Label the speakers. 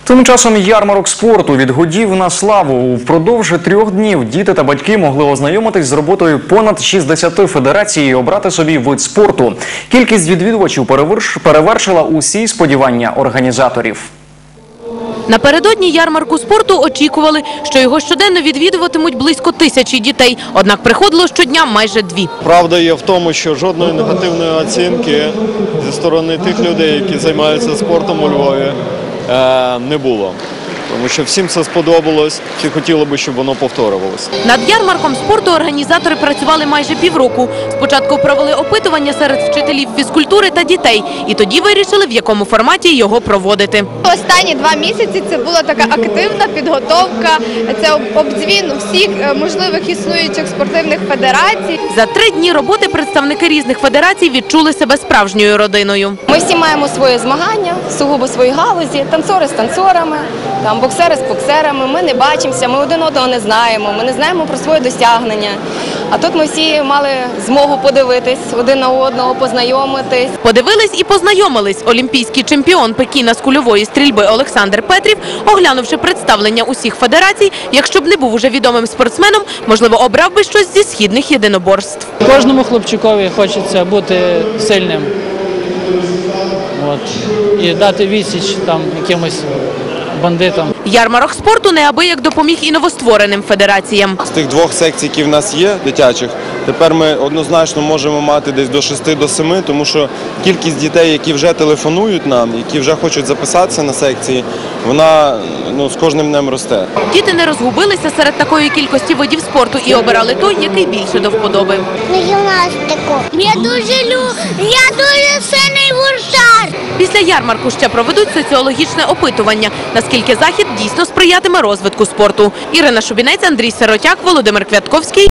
Speaker 1: Тим часом ярмарок спорту від годів на славу. Впродовж 3 днів діти та батьки могли ознайомитись з роботою понад 60 федерацій і обрати собі вид спорту. Кількість відвідувачів перевершила усі сподівання організаторів.
Speaker 2: Напередодні ярмарку спорту очікували, що його щоденно відвідуватимуть близько 1000 дітей. Однак приходило щодня майже 2.
Speaker 3: Правда є в тому, що жодної негативної оцінки зі сторони тих людей, які займаються спортом у Львові, не було. Тому що всім це сподобалось, всі хотіли би, щоб воно повторювалося.
Speaker 2: Над ярмарком спорту організатори працювали майже півроку. Спочатку провели опитування серед вчителів фізкультури та дітей. І тоді вирішили, в якому форматі його проводити.
Speaker 4: Останні 2 місяці це була така активна підготовка, це обдзвін всіх можливих існуючих спортивних федерацій.
Speaker 2: За 3 дні роботи представники різних федерацій відчули себе справжньою родиною.
Speaker 5: Ми всі маємо свої змагання, сугубо свої галузі, танцори з танцорами, боксери з боксерами. Ми не бачимося, ми один одного не знаємо, ми не знаємо про свої досягнення. А тут ми всі мали змогу подивитись один на одного, познайомитись.
Speaker 2: Подивились і познайомились. Олімпійський чемпіон Пекіна з кульової стрільби Олександр Петрів, оглянувши представлення усіх федерацій, якщо б не був уже відомим спортсменом, можливо, обрав би щось зі східних єдиноборств.
Speaker 6: Кожному хлопчикові хочеться бути сильним і дати відсіч якимось бандитам.
Speaker 2: Ярмарок спорту неабияк допоміг і новоствореним федераціям.
Speaker 7: З тих 2 секцій, які в нас є, дитячих, тепер ми однозначно можемо мати десь до 6 до 7, тому що кількість дітей, які вже телефонують нам, які вже хочуть записатися на секції, вона з кожним днем росте.
Speaker 2: Діти не розгубилися серед такої кількості видів спорту і обирали той, який більше до вподоби.
Speaker 8: Гімнастику. Я дуже сильний гуртар.
Speaker 2: Після ярмарку ще проведуть соціологічне опитування, наскільки захід дійсно сприятиме розвитку спорту. Ірина Шубінець, Андрій Сиротяк, Володимир Квятковський.